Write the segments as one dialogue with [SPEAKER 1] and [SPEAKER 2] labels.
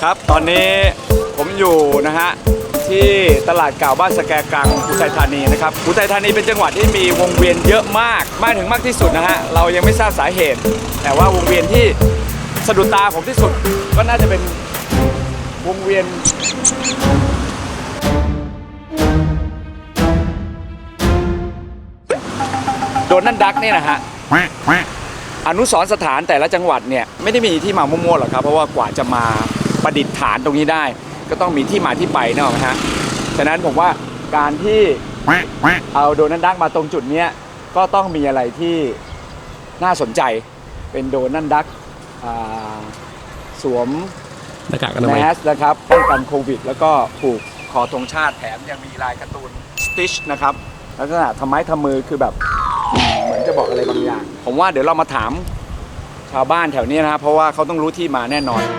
[SPEAKER 1] ครับตอนนี้ผมอยู่นะฮะที่ตลาดเก่าบ้านสแกกังอุทัยธานีนะครับอุทัยธานีเป็นจังหวัดที่มีวงเวียนเยอะมากถึงมากที่สุดนะฮะเรายังไม่ทราบสาเหตุแต่ว่าวงเวียนที่สะดุดตาผมที่สุดก็น่าจะเป็นวงเวียนโดนัลด์ดักเนี่ยนะฮะอนุสรณ์สถานแต่ละจังหวัดเนี่ยไม่ได้มีที่มามั่วๆหรอกครับเพราะว่ากว่าจะมาประดิษฐานตรงนี้ได้ก็ต้องมีที่มาที่ไปนะฮะฉะนั้นผมว่าการที่เอาโดนัลด์ดักมาตรงจุดนี้ก็ต้องมีอะไรที่น่าสนใจเป็นโดนัลด์ดักสวม
[SPEAKER 2] หน้ากากอนามัย
[SPEAKER 1] แมสนะครับป้องกันโควิดแล้วก็ผูกคอธงชาติแถมยังมีลายการ์ตูนสติชนะครับลักษณะทำไม้ทำมือคือแบบเหมือนจะบอกอะไรบางอย่างผมว่าเดี๋ยวเรามาถามชาวบ้านแถวนี้นะครับเพราะว่าเขาต้องรู้ที่มาแน่นอน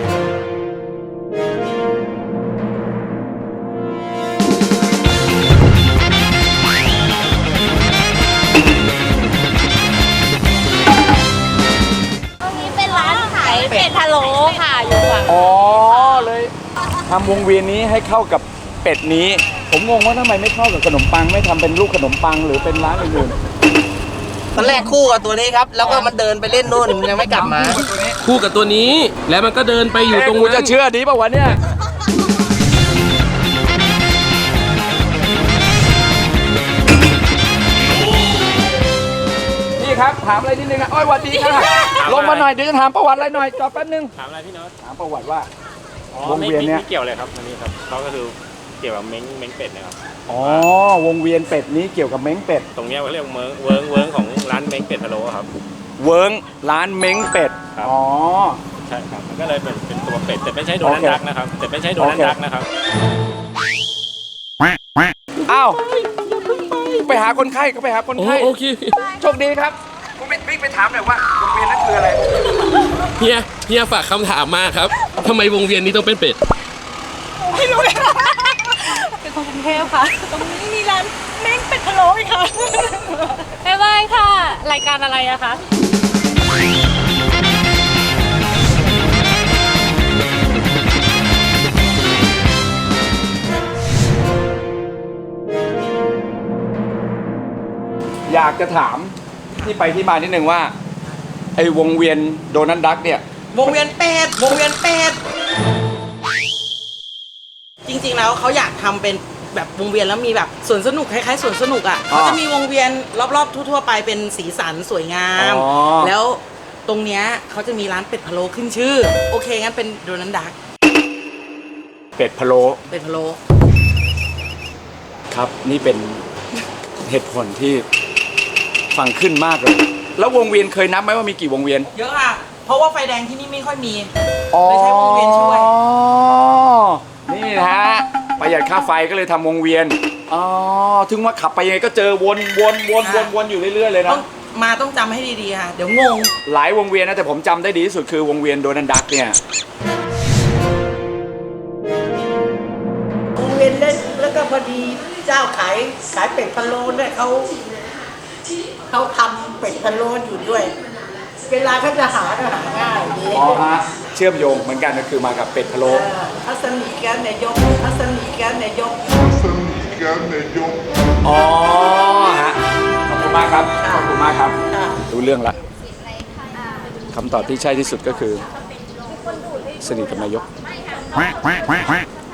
[SPEAKER 3] ตรงนี้เป็นร้านขายเป็ดพะโล้ค่ะอยู่ฝั่ง
[SPEAKER 1] อ๋อเลยทำวงเวียนนี้ให้เข้ากับเป็ดนี้ผมงงว่าทำไมไม่เข้ากับขนมปังไม่ทำเป็นลูกขนมปังหรือเป็นร้านอื่น
[SPEAKER 4] ตอนแรกคู่กับตัวนี้ครับแล้วก็มันเดินไปเล่นนู่นยังไม่กลับมา
[SPEAKER 2] คู่กับตัวนี้แล้วมันก็เดินไปอยู่ตรง
[SPEAKER 1] นั้นจะเชื่อดีป่าววะเนี่ยพี่ครับถามอะไรนิดนึงนะอ้อยสวัสดีครับลงมาหน่อยเดี๋ยวจะถามประวัติอะไรหน่อยจอแป๊บนึง
[SPEAKER 5] ถามอะไรพี่โน้ต
[SPEAKER 1] ถามประวัติว่าวงเวียนเนี้ย
[SPEAKER 5] ไม่เกี่ยวเลยครับอันนี้ครับเขาก็คือเกี่ยวกับเม้งเป็ดนะครับ
[SPEAKER 1] อ๋อวงเวียนเป็ดนี้เกี่ยวกับเม้งเป็ด
[SPEAKER 5] ตรงนี้เขาเรียกเวิร์งของร้านเม้งเป็ดพะโล้ครับ
[SPEAKER 1] เวิร์งร้านเม้งเป็ดอ๋อ
[SPEAKER 5] ใช่ครับมันก็เลยเป็นตัวเป็ดแต่ไม่ใช่โดนัลด์ดักนะครับแต่ไม่ใช่โดนัลด์ดักนะครับ
[SPEAKER 1] อ้าวไปหาคนไข้ก็ไปหาคนไข้
[SPEAKER 2] โอเค
[SPEAKER 1] โชคดีครับผมวิ่งไปถามหน่อยว่าวงเวียนนั้นคืออะไร
[SPEAKER 2] เฮียฝากคำถามมาครับทำไมวงเวียนนี้ต้องเป็นเป็ด
[SPEAKER 3] ไม่รู้เลยเป็นคนกรุงเทพค่ะตรงนี้มีร้านเม้งเป็ดพะโล้อีกค่ะบ๊ายบายค่ะรายการอะไรอะคะ
[SPEAKER 1] อยากจะถามที่ไปที่มานิดนึงว่าไอ้วงเวียนโดนัลด์ดักเนี่ยว
[SPEAKER 4] งเวียนเป็ดจริงๆแล้วเขาอยากทำเป็นแบบวงเวียนแล้วมีแบบสวนสนุกคล้ายๆสวนสนุกอ่ะเขาจะมีวงเวียนรอบๆทั่วๆไปเป็นสีสันสวยงามแล้วตรงเนี้ยเขาจะมีร้านเป็ดพะโล้ขึ้นชื่อโอเคงั้นเป็นโดนัลด์ดัก
[SPEAKER 1] เป็ดพะโล้ครับนี่เป็นเหตุผลที่ฟังขึ้นมากเลยแล้ววงเวียนเคยนับไหมว่ามีกี่วงเวียน
[SPEAKER 4] เยอะค่ะเพราะว่าไฟแดงที่นี่ไม่ค่อยมีเลยใช้วงเวียนช่วย
[SPEAKER 1] นี่นะฮะประหยัดค่าไฟก็เลยทำวงเวียนอ๋อถึงว่าขับไปยังไงก็เจอวนอยู่เรื่อยๆเลยนะ
[SPEAKER 4] ต้องจำให้ดีๆค่ะเดี๋ยวงง
[SPEAKER 1] หลายวงเวียนนะแต่ผมจำได้ดีที่สุดคือวงเวียนโดนัลด์ดักเนี่
[SPEAKER 6] ยวงเวียนเล่นแล้วก็พอดีเจ้าขายเป็ดพะโล้เนี่ยเขาทำเป็ดพะโล้อยู่ด้วยเวลาเขาจะหาก็หาง่ายดี
[SPEAKER 1] อ๋อฮะเชื่อมโยงเหมือนกันก็คือมากับเป็ดพะโล้
[SPEAKER 6] ทัศนีแกนนายก
[SPEAKER 1] อ๋อฮะขอบคุณมากครับรู้เรื่องละคำตอบที่ใช่ที่สุดก็คือสนิทกับนายก